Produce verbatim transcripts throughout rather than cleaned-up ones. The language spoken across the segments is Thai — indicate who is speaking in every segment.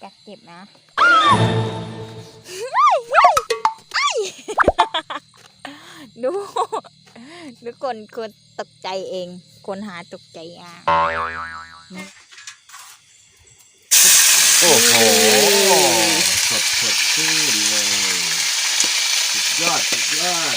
Speaker 1: กัดเจ็บนะดูดูคนคนตกใจเองคนหาตกใจอ่ะ
Speaker 2: โอ้โหสดสดชื่นเลยสุดยอดสุดยอด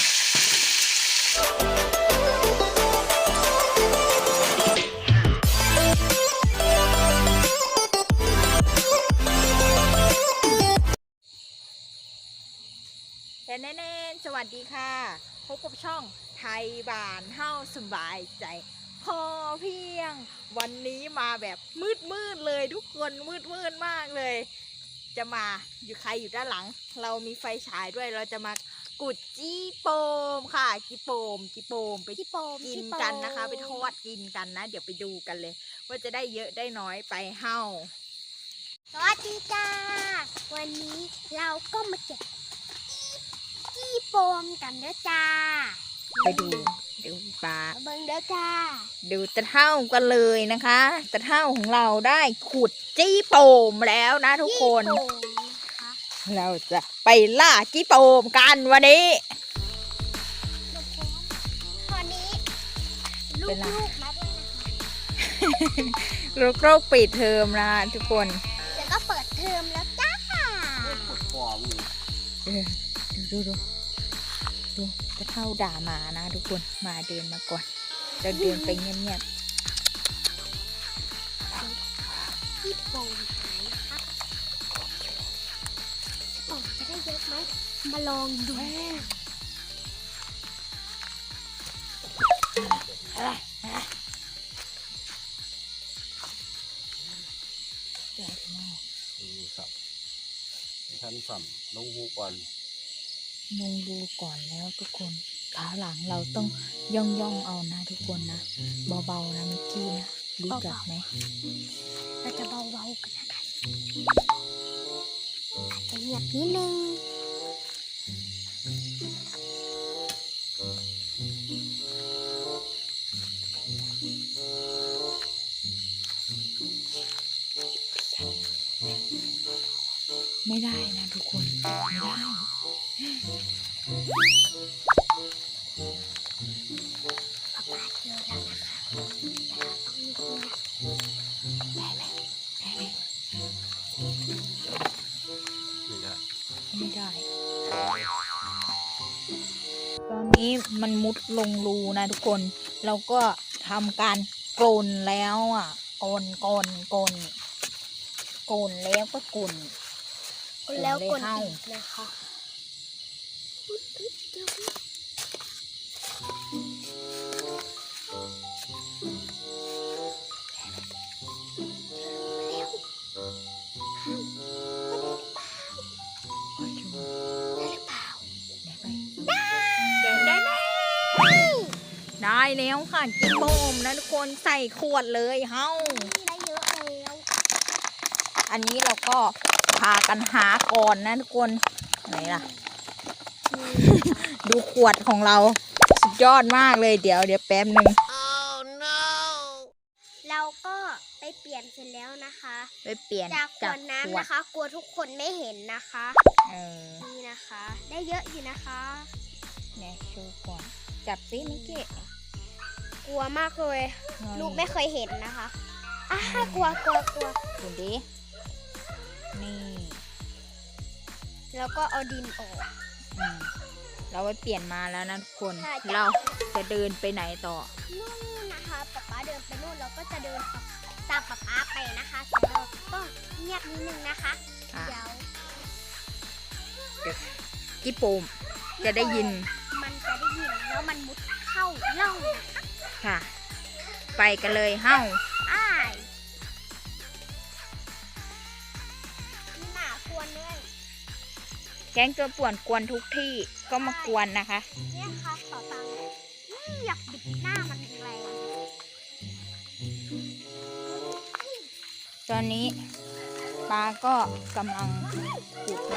Speaker 1: แน่ๆสวัสดีค่ะพบกับช่องไทยบ้านเฮาสบายใจพอเพียงวันนี้มาแบบมืดมืดเลยทุกคนมืดมืดมากเลยจะมาอยู่ใครอยู่ด้านหลังเรามีไฟฉายด้วยเราจะมากุดจี้โปมค่ะจี้โปมจี้โปมไปจี้โปมกินกันนะคะไปทอดกินกันนะเดี๋ยวไปดูกันเลยว่าจะได้เยอะได้น้อยไปเฮา
Speaker 3: สวัสดีจ้าวันนี้เราก็มาเก็บจี้โปมกันเด้อจ้า
Speaker 1: ไปดูดูปลา
Speaker 3: เบิ่งเด้อจ้า
Speaker 1: ดูตะเท่ากันเลยนะคะตะเท่าของเราได้ขุดจี้โปมแล้วนะทุกคน
Speaker 3: จี้โปมนะคะ
Speaker 1: เราจะไปล่าจี้โปมกันวันนี้
Speaker 3: ตอนนี้ลูกๆมาด้วยนะคะ
Speaker 1: ลูกโรคปิดเทอมนะทุกคน
Speaker 3: เดี๋ยวก็เปิดเทอมแล้วจ้า
Speaker 2: ปวดฟอร์ม
Speaker 1: เออดูดูดูดูตะเท่าด่าหมานะทุกคนมาเดินมาก่อนเราเดินไปเงียบ
Speaker 3: จี้โปมหายนะคะโอ้จะได้เยอะไหมมาลองดู
Speaker 1: ๆใหญ่มาก
Speaker 2: ดูสับท่านสั่มลงหูก่อน
Speaker 1: ลงดูก่อนแล้วทุกคนขาหลังเราต้องย่องย่องเอานะทุกคนนะเบาๆนะมิกกี้นะรู้จักไหม
Speaker 3: เราจะเบาๆกันนะคะอาจจะเงียบนิดนึง
Speaker 1: ไม่ได้นะทุกคนไม่ได้
Speaker 3: ป๊าป๊าเจอแล้วนะคะแต่เราต้องมีคนได้ไหม
Speaker 1: ได้ไหม
Speaker 2: ไม่ได้
Speaker 1: ไม่ได้ ตอนนี้มันมุดลงรูนะทุกคนเราก็ทำการกลนแล้วอ่ะกลนกลนกลนกลนแล้วก็กลน
Speaker 3: แล้วกด
Speaker 1: เลยเข้า
Speaker 3: อีกนะคะ
Speaker 1: ได้แล้วค่ะกินโบมนะทุกคนใส่ขวดเลยเฮ้า
Speaker 3: ได้เยอะแล้ว
Speaker 1: อันนี้เราก็พากันหาก่อนนะทุกคนไหนล่ะ ดูขวดของเราสุดยอดมากเลยเดี๋ยวเดี๋ยวแป๊บหนึ่ง
Speaker 3: เราก็ไปเปลี่ยนเสร็จแล้วนะคะ
Speaker 1: ไปเปลี่ยน
Speaker 3: จากข
Speaker 1: จาว ก
Speaker 3: ด
Speaker 1: ข
Speaker 3: น้ำ
Speaker 1: วด
Speaker 3: นะคะ กลัวทุกคนไม่เห็นนะคะ
Speaker 1: เออ
Speaker 3: นี่นะคะ ได้เยอะอยู่นะคะ
Speaker 1: เนี่ยโชว์ก่อนจับซิมิกกี้
Speaker 3: กลัวมากเลยลูกไม่เคยเห็นนะคะอ่ะกลัวกลัวกลัว
Speaker 1: ดูดินี่
Speaker 3: แล้วก็เอาดินออก
Speaker 1: อืมเราไปเปลี่ยนมาแล้วนะทุกคน
Speaker 3: ใช่จ้ะ
Speaker 1: เราจะเดินไปไหนต่อ
Speaker 3: นู่นนะคะป๊าป๊าเดินไปนู่นเราก็จะเดินตามป๊าป๊าไปนะคะแต่เราต้องเงียบนิดนึงนะคะ
Speaker 1: อ่ะ
Speaker 3: เดี๋ยว
Speaker 1: จิโปมจะได้ยิน
Speaker 3: มันจะได้ยินแล้วมันมุดเข้าร่องนะคะ
Speaker 1: ค่ะ ไปกันเลยเฮ้า
Speaker 3: อ้ายนี่หนาควรเลย
Speaker 1: แก๊งตัวป่วนกวนทุกที่ก็มากวนนะคะ
Speaker 3: เนี่ยค่ะต่อตังนี่อยากบิดหน้ามันแรง
Speaker 1: ตอนนี้ปลาก็กำลังขุด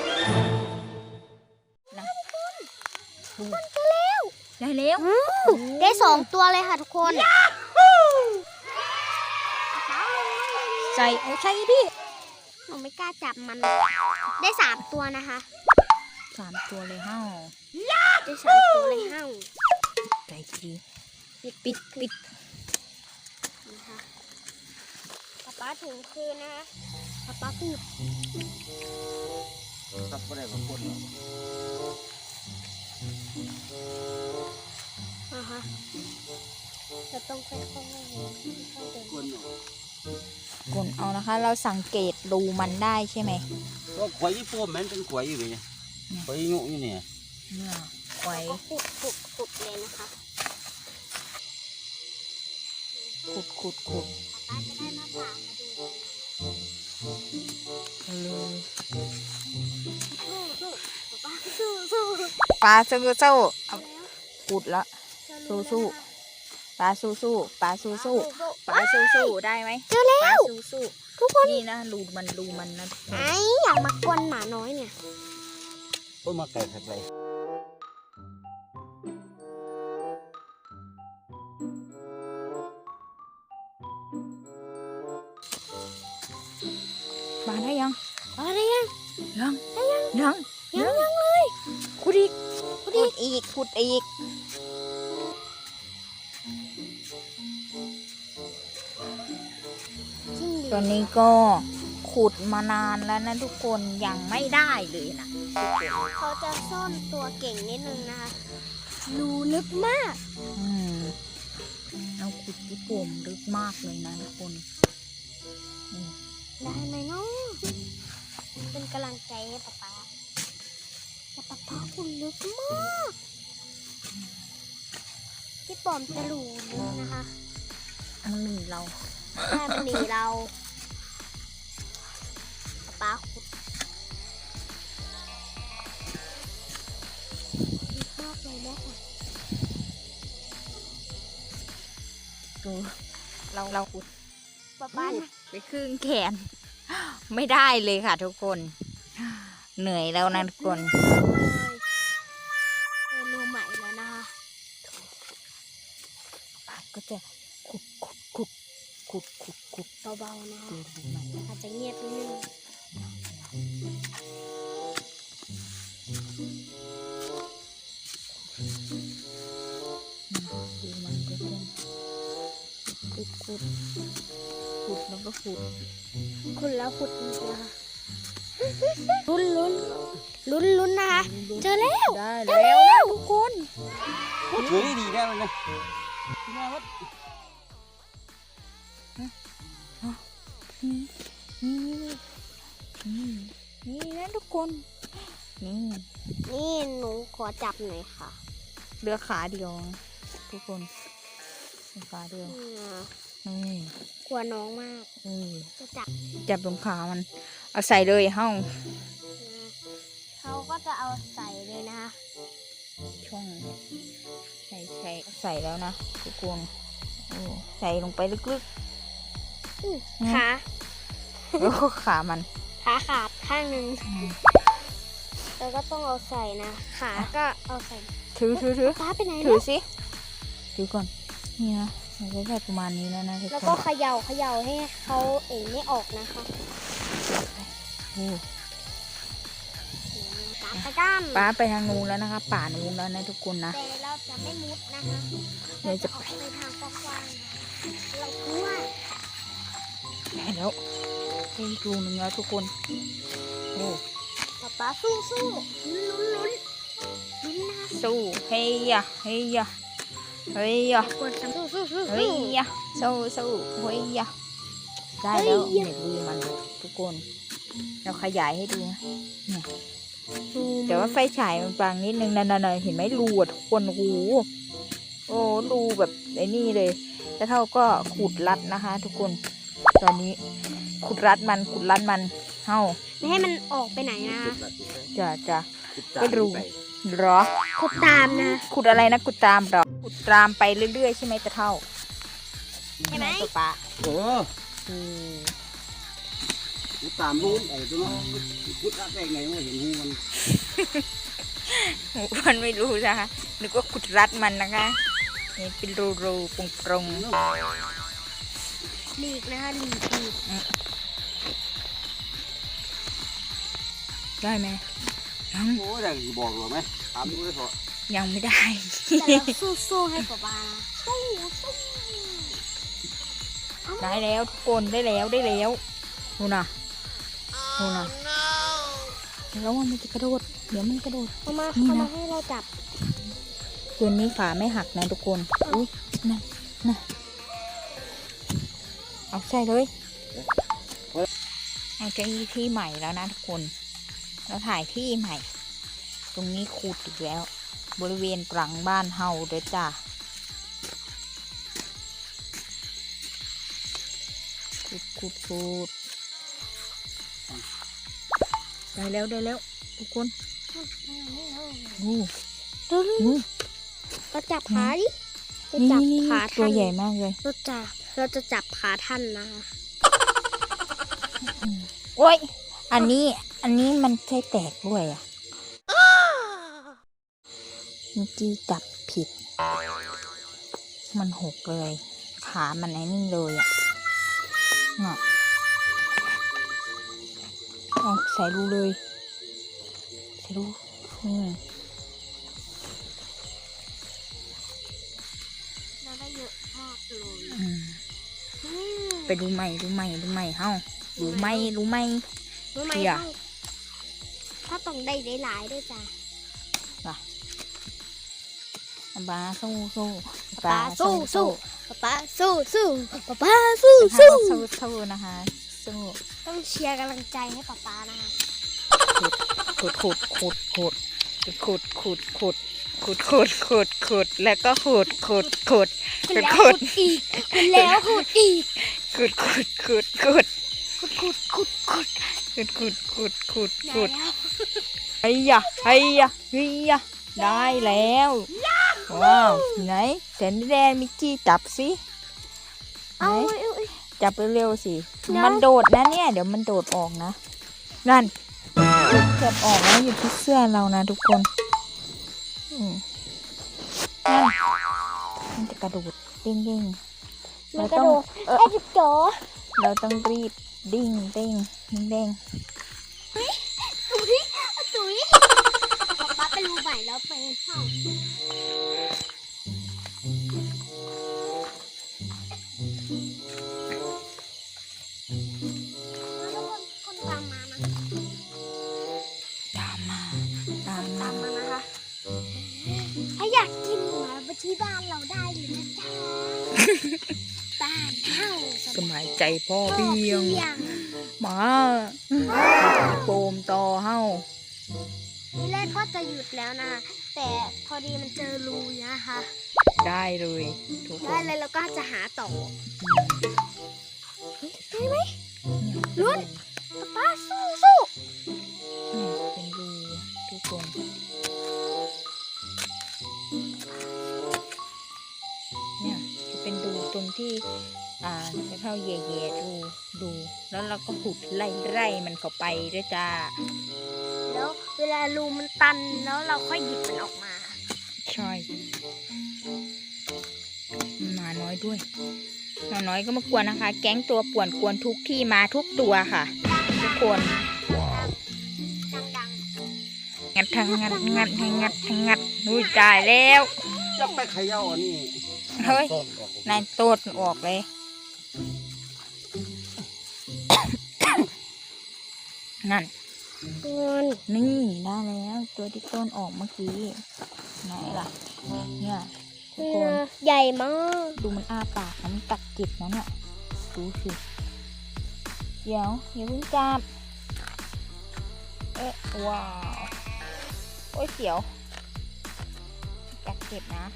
Speaker 1: นะดูได้แล้ว
Speaker 3: ได้สองตัวเลยค่ะทุกคน
Speaker 1: ใส่เอาใส่ดิ
Speaker 3: นนูไม่กล้าจับมัน ได้สามตัวนะคะ
Speaker 1: สามตัวเลยเฮ้า
Speaker 3: ได้สามตัวเลยเฮ้า
Speaker 1: ใจดีปิดปิดปิด
Speaker 3: นะคะป๊าป๊าถึงคืนนะคะป๊าป๊าพูด
Speaker 2: ซับก็ได้บางคนเนาะ
Speaker 3: อ่าฮะเราต้องค่อยๆค่อยๆเดิน
Speaker 2: คนเนาะ
Speaker 1: กดเอานะคะ เราสังเกตรูมันได้ใช่ไหม
Speaker 2: ก็ขวายญี่ปุ่นมันเป็นขวายอยู่ไงเนี่ยขวายงูอยู่เนี่ย
Speaker 1: เนี่ยไว้
Speaker 3: ก็ขุดขุดขุดเลยนะคะ
Speaker 1: ขุดขุดขุด
Speaker 3: ป๊าป๊าจะได้มาป่ามาดูกัน
Speaker 1: เลย
Speaker 3: สู้สู้ป๊าป๊าสู้สู้
Speaker 1: ปลาสู้สู้เอา
Speaker 3: แล้ว
Speaker 1: ขุดแล้ว สู้สู้ ปลาสู้สู้ปลาสู้สู้
Speaker 3: สู้
Speaker 1: ปลาสู้สู้ได้ไหม
Speaker 3: เจอแล้
Speaker 1: ปลาว สู้สู้
Speaker 3: ทุกคน
Speaker 1: นี่นะรูมันรูมันนะทุกคน
Speaker 3: ไอ้อยากมากวนหมาน้อยเนี่ย
Speaker 2: ก็มาไก่ไข่ไป
Speaker 1: ปลาได้ยัง
Speaker 3: อะไรยัง
Speaker 1: ยังยังยังยังยังเลยขุดอีกขุดอีกขุดอีก
Speaker 3: จริงดิ
Speaker 1: ตอนนี้ก็ขุดมานานแล้วนะทุกคนยังไม่ได้เลยนะ
Speaker 3: เขาจะซ่อนตัวเก่งนิดนึงนะคะรูลึกมาก
Speaker 1: อืมเราขุดที่ปุ่มลึกมากเลยนะทุกคนอืม
Speaker 3: ได้ไหมเนาะเป็นกำลังใจให้ป๊าป๊าแต่ป๊าป๊าคุณลึกมากพี่ปอมจะรูลึกนะคะ
Speaker 1: มันหนีเรา
Speaker 3: ถ้ามันหนีเราป๊าป๊าขุดลึกมากเลยแม่ค่ะ
Speaker 1: ดูเราเราขุด
Speaker 3: ป๊าป๊านะ
Speaker 1: ไปครึ่งแขน ไม่ได้เลยค่ะทุกคน เหนื่อยแล้วนะทุกคน
Speaker 3: เลยเจอรูใหม่แล้วนะคะ
Speaker 1: ก็จะขุดขุดขุดขุดขุดขุด
Speaker 3: เบาๆนะคะ
Speaker 1: ดูดูใหม่
Speaker 3: อาจจะเงียบนิดนึง
Speaker 1: ดูมันก็จะขุดขุดขุดแล้วก็ขุด
Speaker 3: ขุดแล้วขุดอีกนะคะลุ้นลุ้นลุ้นลุ้นนะคะ เจอแล้ว
Speaker 1: ได้แล้วนะทุกคน
Speaker 2: ถือดีได้เลยนะมาวัด
Speaker 1: นี่นี่นี่นะทุกคน นี่
Speaker 3: นี่หนูขอจับหน่อยค่ะ
Speaker 1: เรือขาเดียวนะทุกคนเรือขาเดียว
Speaker 3: อืม
Speaker 1: นี่
Speaker 3: กลัวน้องมาก
Speaker 1: นี่
Speaker 3: จะจับ
Speaker 1: จับตรงขามัน เอาใส่เลยเฮ้า
Speaker 3: นะเขาก็จะเอาใส่เลยนะคะ
Speaker 1: ช่องเนี่ยใส่ใส่ใส่แล้วนะทุกคนโอ้ใส่ลงไปลึก
Speaker 3: อื้อ
Speaker 1: อืม
Speaker 3: ขา
Speaker 1: ๆแล้วก็ขามัน
Speaker 3: ขาขาดข้างหนึ่ง
Speaker 1: อืม
Speaker 3: แล้วก็ต้องเอาใส่นะ ขาก็เอาใส่
Speaker 1: ถือถือถือ
Speaker 3: ป้าไปไหน
Speaker 1: ถื
Speaker 3: แล้
Speaker 1: อ
Speaker 3: ว
Speaker 1: สิถือก่อนนี่นะมันก็แค่ประมาณนี้แล้วนะทุก
Speaker 3: แล้ว
Speaker 1: ค
Speaker 3: ก็
Speaker 1: น
Speaker 3: เขย่าเขย่าให้เขาเองไม่ออกนะคะ
Speaker 1: โอ้
Speaker 3: ตามไปด้าน
Speaker 1: ป้าไปทางนู้นแล้วนะคะ ป่านู้นแล้วนะทุกคนนะ
Speaker 3: แต่เราจะไม่มุดนะคะ
Speaker 1: เดี๋ยวจะ
Speaker 3: ออกไปทางกว้างๆเรากลัว
Speaker 1: ได้แล้วได้อีกรูหนึ่งแล้วทุกคนโอ้
Speaker 3: ป๊าป๊าสู้สู้ลุ้นลุ้นลุ้นลุ้นนะคะ
Speaker 1: สู้เฮียเฮียเฮีย
Speaker 3: กดสู้สู้สู้
Speaker 1: เฮียสู้สู้เฮียได้แล้วเนี่ยรูมันทุกคน เราขยายให้ดูนะเนี่ยแต่ว่าไฟฉายมันบางนิดนึงนั่นๆเห็นไหมรูอ่ะทุกคนโอ้โหโอ้รูแบบไอ้นี่เลย แล้วเท่าก็ขุดรัดนะคะ ทุกคน ตอนนี้ขุดรัดมันขุดรัดมันเฮ้า
Speaker 3: ไม่ให้มันออกไปไหนนะ
Speaker 1: จะจะ
Speaker 2: ไม่รู้
Speaker 1: เหรอ
Speaker 3: ขุดตามนะ
Speaker 1: ขุดอะไรนะขุดตามเหรอขุดตามไปเรื่อยๆใช่ไหมตะเท่า
Speaker 3: ใช่ไหม
Speaker 1: ตัวปลา
Speaker 2: เออ
Speaker 1: อืม
Speaker 2: ตามรู้ไอ้ตัวนั้นพุทธะได้ไงว่าเห็นหูมัน
Speaker 1: หมูมันไม่รู้นะคะนึกว่าขุดรัดมันนะคะนี่เป็นรูรูๆปรงๆ
Speaker 3: หลีกนะคะหลีกหลีก
Speaker 1: ได้ไหมยัง
Speaker 2: โอ้ยแต่บอกหรือไหมถามดูได้เถอะ
Speaker 1: ยังไม่ได้
Speaker 3: แต่เราสู้ๆให้ป๊าป๊าสู้สู้เอามา
Speaker 1: ได้แล้วทุกคนได้แล้วได้แล้วดูนะดูนะแล้วว่ามันจะกระโดดเดี๋ยวมันกระโดด
Speaker 3: เอามา
Speaker 1: นี่
Speaker 3: เอา
Speaker 1: นะ
Speaker 3: มาให้เราจับ
Speaker 1: ตัวนี้ขาไม่หักนะทุกคนอุ้ยนะนะเอาใช่เลยเอาจะที่ใหม่แล้วนะทุกคนเราถ่ายที่ใหม่ ตรงนี้ขุดอีกแล้ว บริเวณหลังบ้านเฮาเด้อจ้าขุดขุดขุดได้แล้วได้แล้วทุกคนอู้
Speaker 3: ดูดู
Speaker 1: อู้
Speaker 3: เราจับขาดิเรา
Speaker 1: นี่
Speaker 3: จับ
Speaker 1: นี่
Speaker 3: ขา
Speaker 1: ตั
Speaker 3: ท่า
Speaker 1: วน ใหญ่มากเลย
Speaker 3: เราจะเราจะจับขาท่านนะคะ
Speaker 1: โอ้ยอันนี้อันนี้มันใช่แตกด้วยอ่ะเมื่อกี้จับผิด มันหกเลย ขามันไอ้นี่เลยอ่ะเนาะเอาใส่รูเลยใส่รูอืม
Speaker 3: เราได้เยอะมากเลย
Speaker 1: อืม
Speaker 3: อืม
Speaker 1: ไปดูใหม่ดูใหม่ดูใหม่เฮ้าดูไหมดูไหม
Speaker 3: รู้ไหม
Speaker 1: เดี๋ยว
Speaker 3: ต้องถ้าต้องได้หลายๆด้วยจ้ะ
Speaker 1: ปลาสู้สู้
Speaker 3: ป๊าสู้สู้ป๊าสู้สู้ป๊าสู้
Speaker 1: สู้
Speaker 3: สู้
Speaker 1: สู้สู้นะคะสู้
Speaker 3: ต้องเชียร์กำลังใจให้ป๊าป๊านะคะ
Speaker 1: ขุดขุดขุดขุดขุดขุดขุดขุดขุดขุดขุดแล้วก็ขุดขุดขุด
Speaker 3: คุณแล้วขุดอีกคุณแล้วขุดอีก
Speaker 1: ขุดขุดขุดขุด
Speaker 3: ขุดขุดขุดขุด
Speaker 1: ขุดขุดขุดขุด
Speaker 3: ได้
Speaker 1: ขุด
Speaker 3: แล้ว
Speaker 1: ไอ้ยะไอ้ยะไอ้ยะได้แล้วว้าวไหนแสนแดงมิกกี้จับสิไหน
Speaker 3: เอาเอาเอา
Speaker 1: จับเร็วๆสิ
Speaker 3: เดี๋ยว
Speaker 1: มันโดดนะเนี่ยเดี๋ยวมันโดดออกนะนั่นเกือบออกแล้วอยู่ที่เสื้อเรานะทุกคนอืมนั่นมันจะกระโดดเด้งๆ
Speaker 3: มัน
Speaker 1: เรา
Speaker 3: กระ
Speaker 1: ต้อง
Speaker 3: โดด
Speaker 1: เออ
Speaker 3: ไอ้จิ๊บจ๋อ
Speaker 1: เราต้องรีบดิ้งเด้งเด้ง
Speaker 3: ตุ๋ยตุ๋ยป๊าป๊าไปรูใหม่แล้วไปเข้าแล้วคนคนตามมานะ
Speaker 1: ตามมาตาม
Speaker 3: ตา
Speaker 1: มา
Speaker 3: มมานะคะ ถ้าอยากกินมาไปที่บ้านเราได้เลยนะจ๊ะ บ้านเฮา
Speaker 1: สมัยใจพ่อเพียง
Speaker 3: เพียง
Speaker 1: มาโปมต่อเฮา
Speaker 3: ทีแรกก็จะหยุดแล้วนะ แต่พอดีมันเจอรูนะคะ
Speaker 1: ได้เลยทุกค
Speaker 3: ได้
Speaker 1: น
Speaker 3: เลยแล้วก็จะหาต่อได้ไหมลุ้นป๊าสู้สู้
Speaker 1: เนี่ยเป็นรูทุกคนเนี่ยจะเป็นรูตรงที่อ่าจะเข้าแย่ๆดูดู แล้วเราก็หุดไล่ไล่มันเข้าไปด้วยจ้า
Speaker 3: แล้วเวลารูมันตันแล้วเราค่อยหยิบมันออกมา
Speaker 1: ใช่หมาน้อยด้วยหมาน้อยก็มากวนนะคะ แก๊งตัวป่วนกวนทุกที่มาทุกตัวค่ะ ทุกคน
Speaker 3: ดัง
Speaker 1: งัดทั้งงัดงัดทั้งงัดทั้งงัดนุ้ยตายแล้ว
Speaker 2: จะไปเขย่าอันนี้
Speaker 1: เฮ้ย
Speaker 2: ต้นออก
Speaker 1: นายโตดออกเลย นั่น
Speaker 3: ๆเงิน
Speaker 1: นี่ได้แล้วตัวที่ต้นออกเมื่อกี้ไหนล่ะ เนี่ยทุกคน
Speaker 3: ใหญ่มาก
Speaker 1: ดูมันอ้าปากแล้วมันกัดจิตนะเนี่ยดูสิเดี๋ยวอย่าเพิ่งจับเอ๊ะว้าวโอ้ยเสียวกัดเจ็บนะ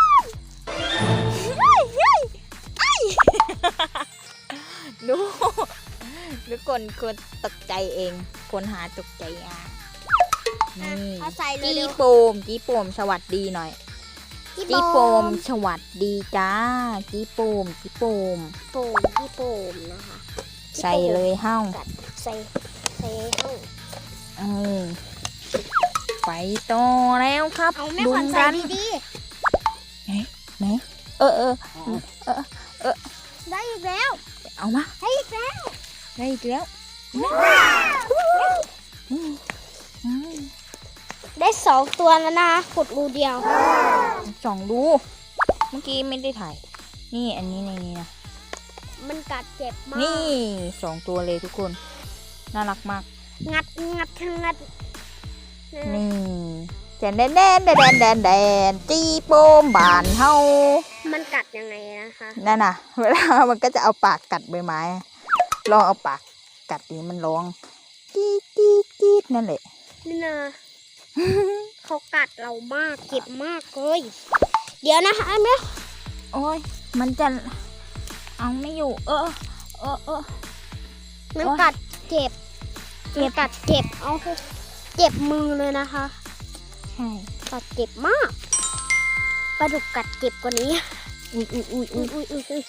Speaker 1: ดูทุกคนคนตกใจเอง คนหาตกใจอ่ะนี่
Speaker 3: เอาใส่เลย
Speaker 1: จี
Speaker 3: เร็ว
Speaker 1: โปมจีโปมสวัสดีหน่อย
Speaker 3: จี
Speaker 1: จี
Speaker 3: โป
Speaker 1: โป
Speaker 3: ม
Speaker 1: มสวัสดีจ้าจีโปมจีโปม
Speaker 3: โปมจีโปมนะคะ
Speaker 1: ใส่เลยเฮ้า
Speaker 3: กัดใส่ใส่ห้อง
Speaker 1: เออไปต่อแล้วครับ
Speaker 3: เอาแม่
Speaker 1: ดุ
Speaker 3: ขวัญ
Speaker 1: น
Speaker 3: ใส่
Speaker 1: ดัน
Speaker 3: ดี
Speaker 1: ไหนเออเออ
Speaker 3: ๆได้อีกแล้ว
Speaker 1: เอามา
Speaker 3: ได้อีกแล้ว
Speaker 1: ได้อีกแล้ว
Speaker 3: ว้าว
Speaker 1: อืมอืม
Speaker 3: ได้สองตัวแล้วนะคะขุดรูเดียว
Speaker 1: สองดูเมื่อกี้ไม่ได้ถ่ายนี่อันนี้ในนี้นะ
Speaker 3: มันกัดเจ็บมาก
Speaker 1: นี่สองตัวเลยทุกคนน่ารักมาก
Speaker 3: งัดงัดงัด
Speaker 1: นี่แดนแดนแดนแดนแดนแดนจีโปมบานเฮา
Speaker 3: มันกัดยังไงนะคะ
Speaker 1: นั่นน่ะ เวลามันก็จะเอาปากกัดใบไม้ลองเอาปากกัดดิมันร้องจี๊ดจี๊ดจี๊ดนั่นแหละ
Speaker 3: นี่นะ เขากัดเรามากเจ็บมากเลยเดี๋ยวนะคะแม่
Speaker 1: โอ้ยมันจะเอาไม่อยู่ เออเออเออ
Speaker 3: มันกัดเจ็บ
Speaker 1: เจ็บ
Speaker 3: มันกัดเจ็บเอาเถอะเจ็บมือเลยนะคะ
Speaker 1: ใช่
Speaker 3: กัดเจ็บมากปลาดุกกัดเจ็บกว่านี้
Speaker 1: อุ้ยอุ้ยอุ้ย
Speaker 3: อุ้
Speaker 1: อุ้
Speaker 3: ย
Speaker 1: ย
Speaker 3: อุ้ยอุ้ยอุ้ย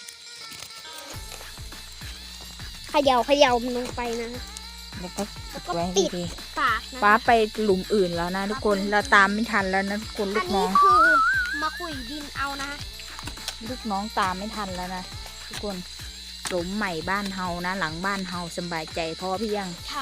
Speaker 3: เขย่าเขย่ามันลงไปนะ
Speaker 1: แล้วก็
Speaker 3: แล้วก็
Speaker 1: ไว้
Speaker 3: ปิด
Speaker 1: ดี
Speaker 3: ปากนะ
Speaker 1: ๆฟ้าไปหลุมอื่นแล้วนะทุกคนเราตามไม่ทันแล้วนะทุกคนลู
Speaker 3: อัน
Speaker 1: กน้
Speaker 3: นี้
Speaker 1: อง
Speaker 3: คือมาคุยดินเอานะ
Speaker 1: ลูกน้องตามไม่ทันแล้วนะทุกคนหลุมใหม่บ้านเฮานะ หลังบ้านเฮาสบายใจเพราะว่าพี่ยัง
Speaker 3: ใช่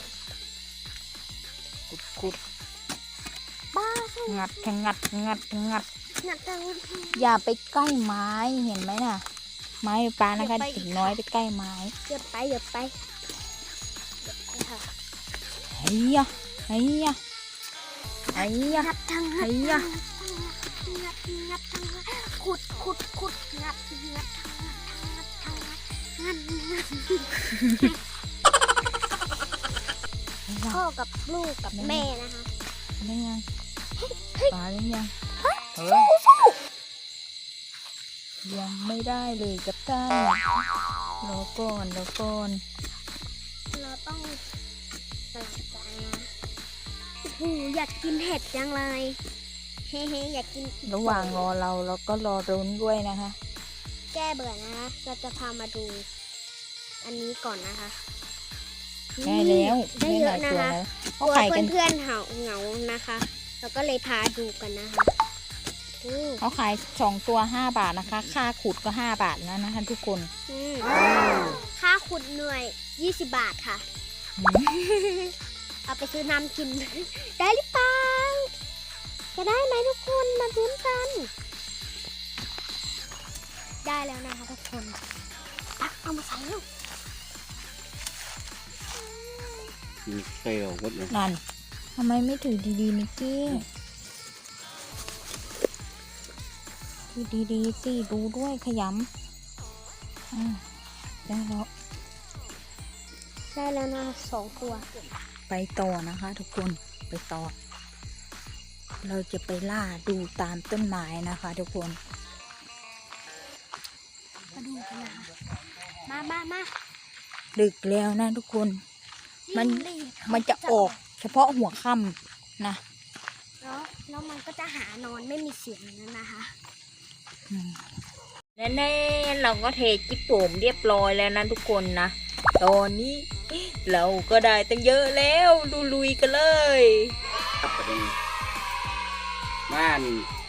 Speaker 1: ขุดขุด
Speaker 3: บ้า
Speaker 1: งัดงัดงัดงัด
Speaker 3: หนักจัง
Speaker 1: อย่าไปใกล้ไม้เห็นไหมน่ะ ไม้ปลานะคะ
Speaker 3: อย่าไป
Speaker 1: ถึงน้อยไปใกล้ไม้
Speaker 3: เดี๋ยวไปเดี๋ยวไปเดี๋ยวไปค่ะ
Speaker 1: เฮียเฮียเฮีย
Speaker 3: งัดทั้งงัด
Speaker 1: เฮีย
Speaker 3: งัดงัดทั้งงัดขุดขุดขุดงัดงัดทั้งงัดทั้งงัดทั้งงัดงัดงัดพ่อกับลูกกับแม่นะคะ
Speaker 1: ได้ยังปลาได้ยังเฮ้ยยังไม่ได้เลยกับท่านรอก่อนรอก่อน
Speaker 3: เราต้องใส่ใจนะโอ้โหอยากกินเห็ดจังเลยเฮ้ๆอยากกิน
Speaker 1: ระหว่างรอเราเราก็รอรุ้นด้วยนะคะ
Speaker 3: แก้เบื่อนะคะ เราจะพามาดู อันนี้ก่อนนะคะ
Speaker 1: ได้แล้ว
Speaker 3: ได้เย
Speaker 1: ห
Speaker 3: อะ
Speaker 1: ลาย
Speaker 3: นะ
Speaker 1: ตัว
Speaker 3: คะ
Speaker 1: แล้ว
Speaker 3: ก
Speaker 1: เขา
Speaker 3: ลัว
Speaker 1: ขายกัน
Speaker 3: เพื่อนๆเหาเหงานะคะ เราก็เลยพาดูกันนะคะอืม
Speaker 1: เขาขายสองตัวห้าบาทนะคะ ค่าขุดก็ห้าบาทแล้วนะคะทุกคน
Speaker 3: อืมค่าขุดหน่วยยี่สิบบาทค่ะ เอาไปซื้อน้ำกิน ได้หรือเปล่าจะได้ไหมทุกคนมาลุ้นกัน ได้แล้วนะคะทุกคนตักเอามาใส่ลูก
Speaker 2: มีเกลียวหมดเลย
Speaker 1: นั่นทำไมไม่ถือดีๆนิกกี้ถือดีๆสิดูด้วยขยำอ่าได้แล้ว
Speaker 3: ได้แล้วนะสองตัว
Speaker 1: ไปต่อนะคะทุกคนไปต่อ เราจะไปล่าดูตามต้นไม้นะคะทุกคน
Speaker 3: มาดูกันนะคะมามามา
Speaker 1: ดึกแล้วนะทุกคน มัน
Speaker 3: จิ้งหรีด
Speaker 1: มันจะออกเฉพาะหัวค่ำนะ
Speaker 3: แล้วแล้วมันก็จะหานอนไม่มีเสียงนั้นนะคะ
Speaker 1: แน่ๆเราก็เทจิ๊บโป่มเรียบร้อยแล้วนะทุกคนนะตอนนี้เราก็ได้ตั้งเยอะแล้วดูลุยกันเลย
Speaker 2: ครับประเด็นม่าน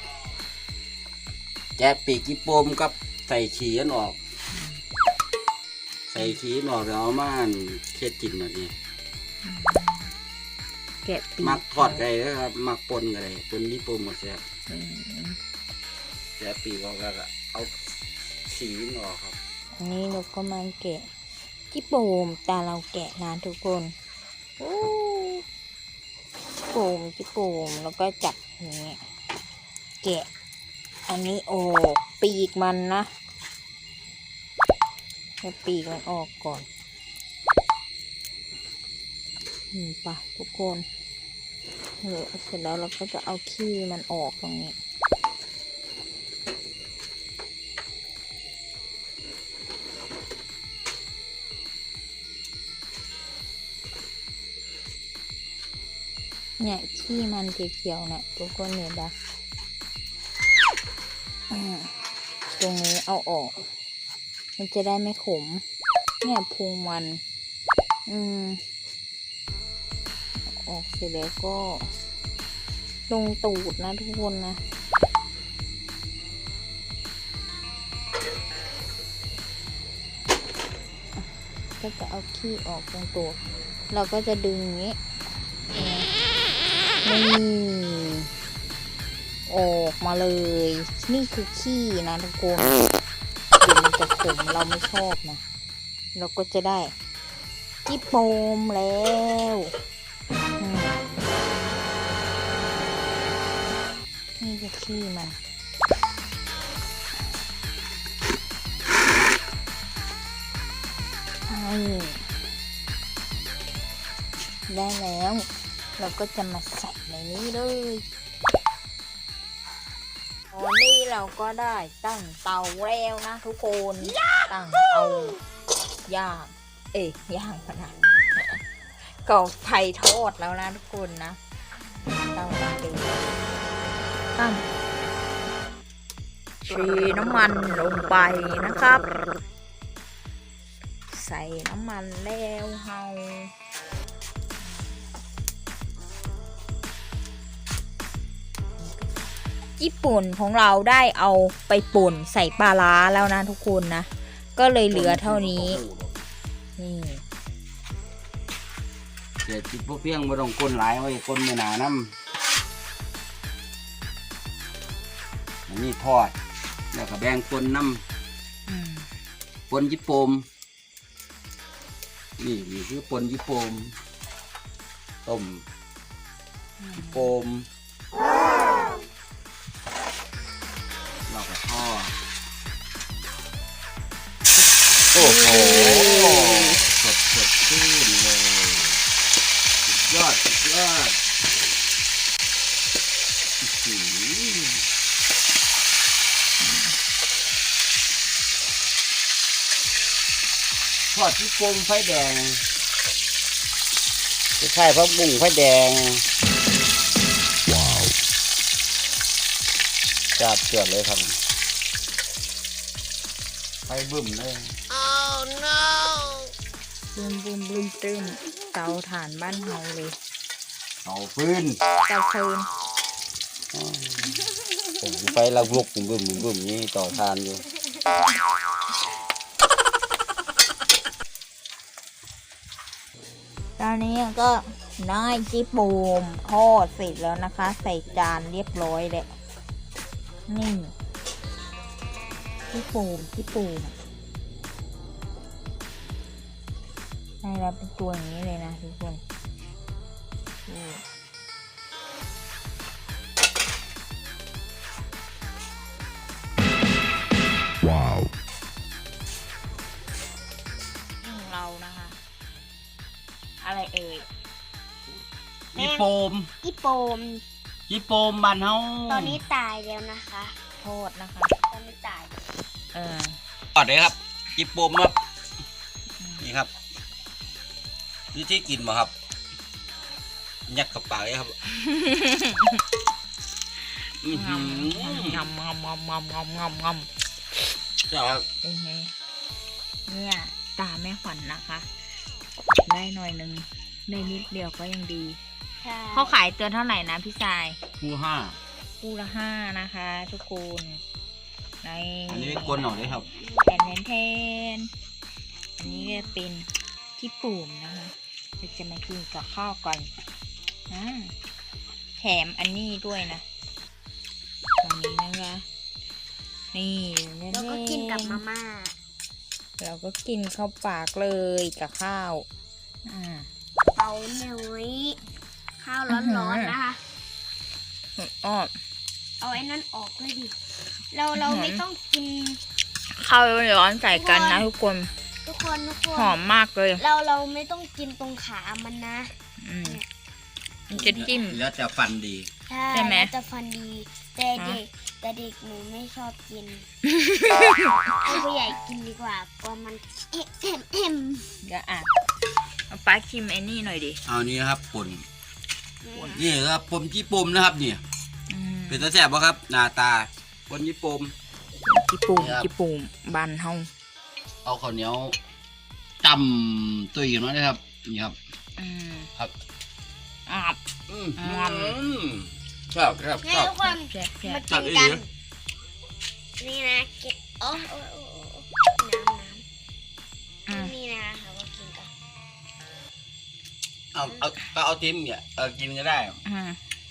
Speaker 2: แจะปีกจิโปมกับใส่ขี้อันออก ใส่ขี้อันออกแล้วเอาม่านเค็ดกินแบบนี้
Speaker 1: แกะปีก
Speaker 2: มักทอดไก่นะครับมักปนกันเลยปนจิโปมหมดแซ่บ
Speaker 1: อืม
Speaker 2: แจะปีกออกแล้วก็เอาขี้มันออกครับ
Speaker 1: อันนี้เราก็มาแกะจิ๊บโป่มแต่เราแกะนะทุกคนโอ้โป่มจิ๊บโป่มแล้วก็จับอย่างนี้แกะ อันนี้ออกปีกมันนะให้ปีกมันออกก่อนนี่ปะทุกคนเออเสร็จแล้วเราก็จะเอาขี้มันออกตรงนี้เนี่ยขี้มันเขียวๆเนี่ยทุกคนเห็นปะอืมตรงนี้เอาออก มันจะได้ไม่ขม เนี่ยพุงมัน อืมออกเสร็จแล้วก็ลงตูดนะทุกคนนะ ก็จะเอาขี้ออกตรงตัว เราก็จะดึงอย่างนี้นี่ออกมาเลย นี่คือขี้นะทุกคนเดี๋ยวมันจะขมเราไม่ชอบนะเราก็จะได้จิโปมแล้วอืมนี่คือขี้มันนี่ได้แล้ว เราก็จะมาใส่ในนี้เลยตอนนี้เราก็ได้ตั้งเตาแล้วนะทุกคนตั้งเตาย่างเอ้ยย่างขนาดก็ไฟทอดแล้วนะทุกคนนะเตามันดีตั้งชีน้ำมันลงไปนะครับ ใส่น้ำมันแล้วเฮาญี่ปุ่นของเราได้เอาไปป่นใส่ปลาร้าแล้วนะทุกคนนะก็เลยเหลือเท่านี้นี่
Speaker 2: เดี๋ยวจิบพวกเพียงมาต้องก้นหลายไว้ก้นไม่หนาน้ำอันนี้ทอดแล้วก็แบ่งก้นน้ำก้นจิโปมนี่นี่คือปนจิโปมต้มจิโปมเราก็ทอดโอ้โหสดสดชื่นเลยสุดยอดสุดยอดอื้อหือทอดจิโปมไฟแดงจะใช่พักบุ้งไฟแดงว้าวจับเกิดเลยครับไฟบึ้มเลย
Speaker 1: บุ้มบุ้มบุ้มตึ้มเตาถ่านบ้านเฮาเลย
Speaker 2: เสาฟืน
Speaker 1: เตาฟืน
Speaker 2: ผมไฟลักลุกบุ้มบุ้มบุ้มบุ้มนี่ต่อทานอยู่
Speaker 1: ตอนนี้ก็น้อยจิโปมทอดเสร็จแล้วนะคะ ใส่จานเรียบร้อยแล้วนี่จิโปมจิโปมให้เราเป็นตัวอย่างนี้เลยนะทุกคนนี่
Speaker 2: ว้าว
Speaker 1: ของเรานะคะ อะไรเอ่ย
Speaker 2: จิโปม
Speaker 3: อีโปม
Speaker 2: จิโปมบ้านเฮา
Speaker 3: ตอนนี้ตายแล้วนะคะ
Speaker 1: โทษนะคะ
Speaker 3: ตอนนี้ตาย
Speaker 1: เออ
Speaker 2: ก่อนเลยครับจิโปมครับนี่ครับวิธีกินมาครับยัดกับปากเลยครับอือหือง
Speaker 1: ำงำงำงำงำงำงำ
Speaker 2: ครับ
Speaker 1: เป็นไงเนี่ยตาแม่ขวัญนะคะ ได้หน่อยหนึ่งได้นิดเดียวก็ยังดี
Speaker 3: ใช่
Speaker 1: เขาขายตัวเท่าไหร่นะพี่ชาย
Speaker 2: คู่ห้า
Speaker 1: คู่ละห้านะคะ ทุกคนใน
Speaker 2: อันนี้กลนหน่อยเลยครับ
Speaker 1: แผ่นแทนอันนี้ก็เป็นขี้ปุ่มนะคะเราจะมากินกับข้าวก่อนอ่าแถมอันนี้ด้วยนะตรงนี้นะคะนี่
Speaker 3: แล้วก็กินกับมาม่า
Speaker 1: เราก็กินเข้าปากเลยกับข้าวอ่า
Speaker 3: เตาหน่อยข้าวร้อนๆนะคะ
Speaker 1: อ้อ
Speaker 3: เอาไอ้นั่นออกเลยดิ เราเราไม่ต้องกิน
Speaker 1: ข้าวร้อนใส่กันนะทุกคน
Speaker 3: ทุกคนทุกคน
Speaker 1: หอมมากเลย
Speaker 3: เราเราไม่ต้องกินตรงขามันนะ
Speaker 1: อืมมันจะจิ้ม
Speaker 2: แล้วจะฟันดี
Speaker 3: ใช่
Speaker 1: ใช่ไหม
Speaker 3: แล้วจะฟันดี แต่เด็กแต่เด็กหนูไม่ชอบกิน ให้ผู้ใหญ่กินดีกว่ากลัวมันเอ็มเอ็มเอ็ม
Speaker 1: เดี๋ยวอ่ะเอาป้าชิมไอ้นี่หน่อยดิ
Speaker 2: เอานี้นะครับป่นนี่ครับปมจิโปมนะครับเนี่ย
Speaker 1: อืม
Speaker 2: เป็นตาแซ่บป่ะครับหน้าตาปนจิโปม
Speaker 1: จิปุ่ม
Speaker 2: นี่ครับ
Speaker 1: จิปุ่มบันเฮา
Speaker 2: เอาข้าวเหนียวจำตุยกันมาเลยครับนี่ครับ
Speaker 1: อืม
Speaker 2: ครับ
Speaker 1: อ่ะ
Speaker 2: อืม
Speaker 1: อืม
Speaker 2: ครับครับ
Speaker 3: ให้
Speaker 2: ครับ
Speaker 3: ทุกคน
Speaker 1: แซ่บแซ่
Speaker 3: มา
Speaker 1: บ
Speaker 3: กินกัน นี่นะกินโอ้โอ้โอ้โอ้น้ำน้
Speaker 1: อืม
Speaker 3: ำนี่นะคะว่ากินกัน
Speaker 2: เอาเอาก็เอาทิมเนี่ยเออกินก็ได้
Speaker 1: อืม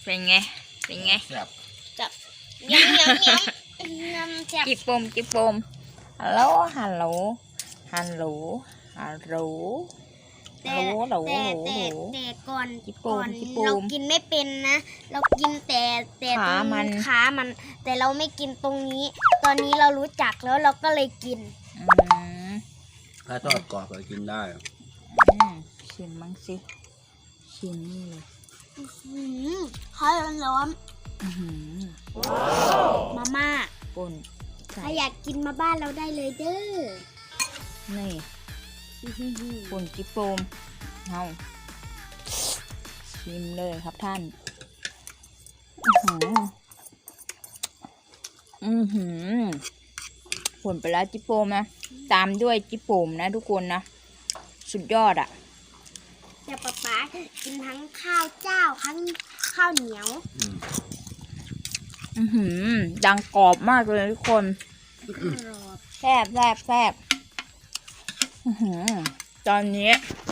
Speaker 1: เป็นไงเป็นไง
Speaker 2: แซ่บ
Speaker 3: จับยำยำยำยำจับ
Speaker 1: จิบปมจิบปมฮัลโหลฮัลโหลฮัลโหลฮัลโหล
Speaker 3: แต่
Speaker 1: ฮัลโหลฮัลโหล
Speaker 3: แต่
Speaker 1: ฮัลโหล
Speaker 3: แต่แต่ก่อน
Speaker 1: จิบโป
Speaker 3: ก่
Speaker 1: ม
Speaker 3: อน
Speaker 1: จิบโปม
Speaker 3: เรากินไม่เป็นนะ เรากินแต่แต่ตร
Speaker 1: ขาง มัน
Speaker 3: ขามัน แต่เราไม่กินตรงนี้ ตอนนี้เรารู้จักแล้วเราก็เลยกิน
Speaker 1: อืม
Speaker 2: ถ้าทอดกรอบก็กินได้
Speaker 1: อืมชิมบ้างสิชิมนี่เลย
Speaker 3: อืมข้าวร้อน
Speaker 1: อื้อหือ
Speaker 3: ๆมาม่า
Speaker 1: ป่นใส่
Speaker 3: ถ้าอยากกินมาบ้านเราได้เลยเด้อ
Speaker 1: นี่ป่นจิบปมเอาชิมเลยครับท่านอื้อหืออือหือป่นไปแล้วจิบปมนะตามด้วยจิบปมนะทุกคนนะสุดยอดอ่ะ
Speaker 3: แต่ป๊าป๊ากินทั้งข้าวเจ้าทั้งข้าวเหนียว
Speaker 2: อืม
Speaker 1: อือหือดังกรอบมากเลยทุกคน
Speaker 3: กรอบ
Speaker 1: แซ่บแซ่บแซ่บอื้อหือตอนนี้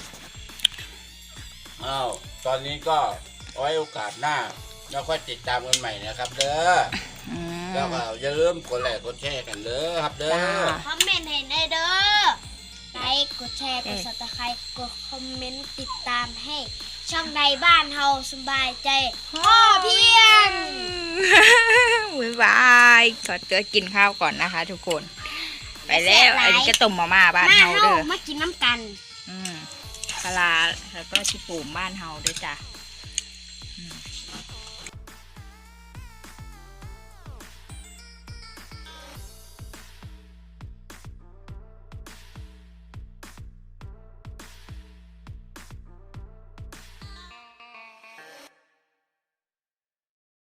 Speaker 2: อ้าวตอนนี้ก็เอาไว้โอกาสหน้าแล้วค่อยติดตามกันใหม่นะครับ เด้อ
Speaker 1: อืม
Speaker 2: แล้วก็อย่าลืมกดไลค์กดแชร์กันเด้อครับเด้อ
Speaker 1: จ้า
Speaker 3: คอมเมนต์ให้ได้เด้อไลค์กดแชร์กดซับสไครต์กดคอมเมนต์ติดตามให้ ช่องในบ้านเฮาสบายใจพ่อเพียง
Speaker 1: บ๊ายบายขอตัวกินข้าวก่อนนะคะ ทุกคน ไปแล้วอันนี้ก็ต้มมาม่าบ้าน
Speaker 3: มา
Speaker 1: เฮา
Speaker 3: เฮา
Speaker 1: เด้อ
Speaker 3: มากินน้ำกัน
Speaker 1: อืมปลาร้าแล้วก็ชิปูมบ้านเฮาด้วยจ้ะ